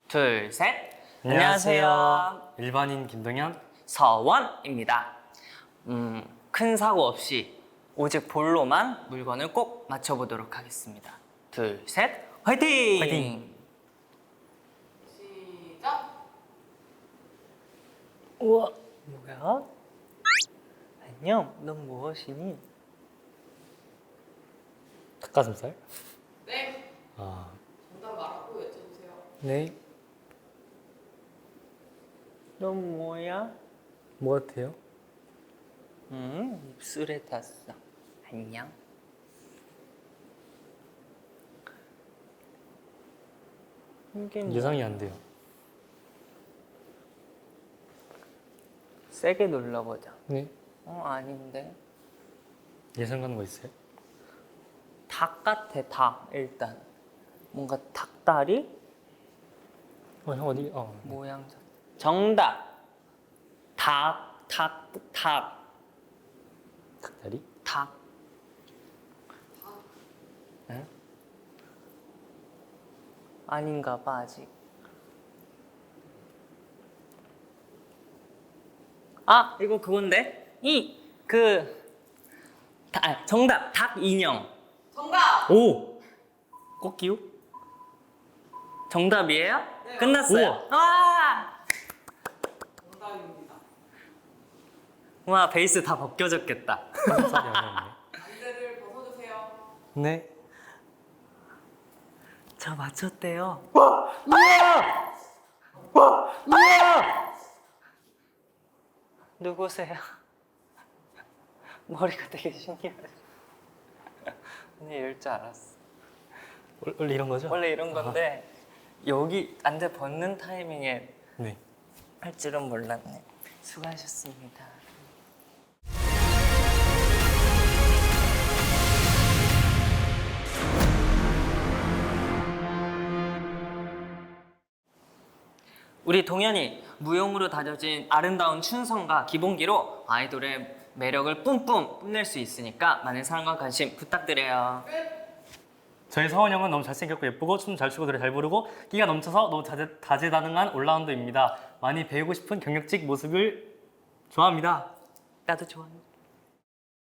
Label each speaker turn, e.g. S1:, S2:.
S1: 둘, 셋.
S2: 안녕하세요. 일반인 김동현.
S1: 서원입니다. 큰 사고 없이 오직 볼로만 물건을 꼭 맞춰보도록 하겠습니다. 둘, 셋. 화이팅!
S2: 화이팅!
S3: 시작.
S1: 우와, 뭐야? 안녕, 넌 무엇이니?
S2: 닭가슴살?
S3: 네.
S2: 아,
S3: 정답 말하고 외쳐주세요.
S2: 네.
S1: 넌 뭐야?
S2: 뭐 같아요?
S1: 입술에 닿았어. 안녕. 이게 뭐?
S2: 예상이 안 돼요.
S1: 세게 눌러보자.
S2: 네.
S1: 아닌데.
S2: 예상 가는 거 있어요?
S1: 닭 같아, 닭. 일단 뭔가 닭다리
S2: 형 어디?
S1: 모양. 정답. 닭.
S2: 닭다리?
S1: 닭. 응? 아닌가 봐 아직. 아, 이거 그건데? 정답. 닭 인형.
S3: 정답.
S2: 오!
S1: 꽃기우? 정답이에요?
S3: 네.
S1: 끝났어요. 와!
S3: 정답입니다.
S1: 와, 베이스 다 벗겨졌겠다.
S2: 닭가슴살이 아니었네.
S3: 안대를 벗어주세요.
S2: 네.
S1: 저 맞췄대요. 누구세요? 머리가 되게 신기하네. 언니 이럴 줄 알았어.
S2: 원래 이런 거죠?
S1: 원래 이런 건데 여기 안대 벗는 타이밍에
S2: 네.
S1: 할 줄은 몰랐네. 수고하셨습니다. 우리 동현이 무용으로 다져진 아름다운 춘성과 기본기로 아이돌의 매력을 뿜뿜 뽐낼 수 있으니까 많은 사랑과 관심 부탁드려요.
S2: 저희 서원 형은 너무 잘생겼고 예쁘고 춤 잘 추고 노래 잘 부르고 끼가 넘쳐서 너무 다재다능한 올라운더입니다. 많이 배우고 싶은 경력직 모습을 좋아합니다.
S1: 나도 좋아해.